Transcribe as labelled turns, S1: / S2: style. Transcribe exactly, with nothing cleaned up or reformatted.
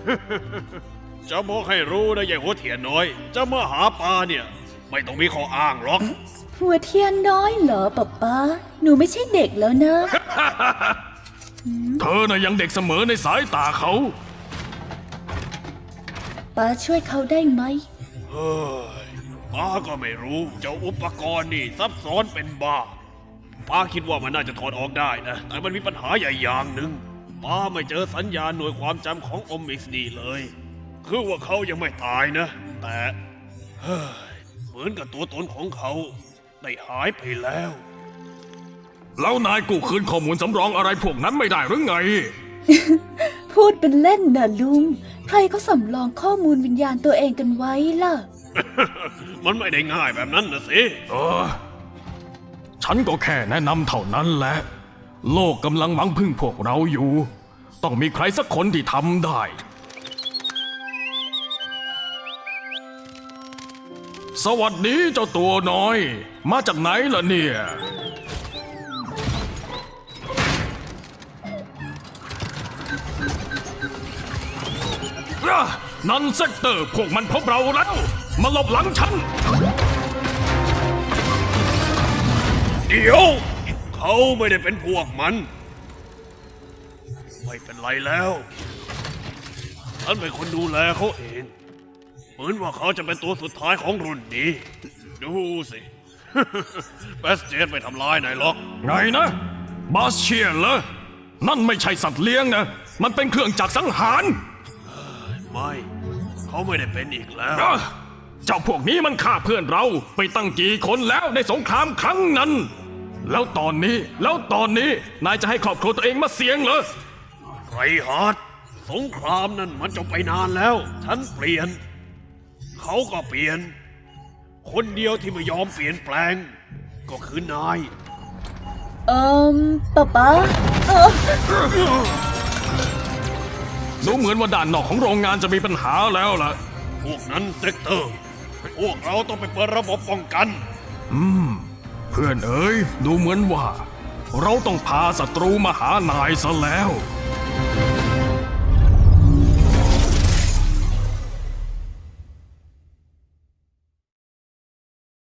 S1: จะบอกให้รู้นะยายหัวเถียนน้อย จะมาหาปลาเนี่ยไม่ต้องมีข้ออ้างหรอก
S2: หัวเทียนน้อยเหรอป๊าป๊าหนูไม่ใช่เด็กแล้วนะ
S3: เธอน่ะยังเด็กเสมอในสายตาเขา
S2: ป๊าช่วยเขาได้ไหม
S1: เฮ้ยป้าก็ไม่รู้เจ้าอุปกรณ์นี่ซับซ้อนเป็นบ้าป้าคิดว่ามันน่าจะถอดออกได้นะแต่มันมีปัญหาใหญ่อย่างหนึ่งป้าไม่เจอสัญญาณหน่วยความจำของโอมิกซ์ดีเลยคือว่าเขายังไม่ตายนะ แต่เฮ้ยเหมือนกับตัวตนของเขาได้หายไปแล้ว
S3: แล้วนายกู้คืนข้อมูลสำรองอะไรพวกนั้นไม่ได้หรือไง
S2: พูดเป็นเล่นนะลุงใครเขาสำรองข้อมูลวิญญาณตัวเองกันไว้ล่ะ
S1: มันไม่ได้ง่ายแบบนั้นนะสิ
S3: เออ ฉันก็แค่แนะนำเท่านั้นแหละ โลกกำลังหวังพึ่งพวกเราอยู่ ต้องมีใครสักคนที่ทำได้ สวัสดีเจ้าตัวน้อย มาจากไหนล่ะเนี่ย นันเซกเตอร์พวกมันพบเราแล้ว มาหลบหลังฉัน
S1: เดี๋ยว เขาไม่ได้เป็นพวกมัน ไม่เป็นไรแล้วฉันเป็นคนดูแลเขาเอง เหมือนว่าเขาจะเป็นตัวสุดท้ายของรุ่นนี้ ดูสิ แบสเจนไม่ทำร้ายนายหรอก
S3: ไงนะบาสเชียนเหรอ นั่นไม่ใช่สัตว์เลี้ยงนะ มันเป็นเครื่องจักรสังหาร
S1: ไม่ เขาไม่ได้เป็นอีกแล้ว
S3: อ่ะเจ้าพวกนี้มันฆ่าเพื่อนเราไปตั้งกี่คนแล้วในสงครามครั้งนั้น แล้วตอนนี้แล้วตอนนี้นายจะให้ครอบครัวตัวเองมาเสี่ยงเหรอ
S1: ไรฮาร์ดสงครามนั่นมันจบไปนานแล้ว ฉันเปลี่ยน เขาก็เปลี่ยน คนเดียวที่ไม่ยอมเปลี่ยนแปลง ก็คือนาย
S2: เอิมป๊าป๊าเออ
S3: ดูเหมือนว่าด้านนอกของโรงงานจะมีปัญหาแล้วล่ะ
S1: พวกนั้นเซกเตอร์ พวกเราต้องไปเปิดระบบป้องกัน
S3: เพื่อนเอ๋ยดูเหมือนว่า เราต้องพาศัตรูมาหานายซะแล้ว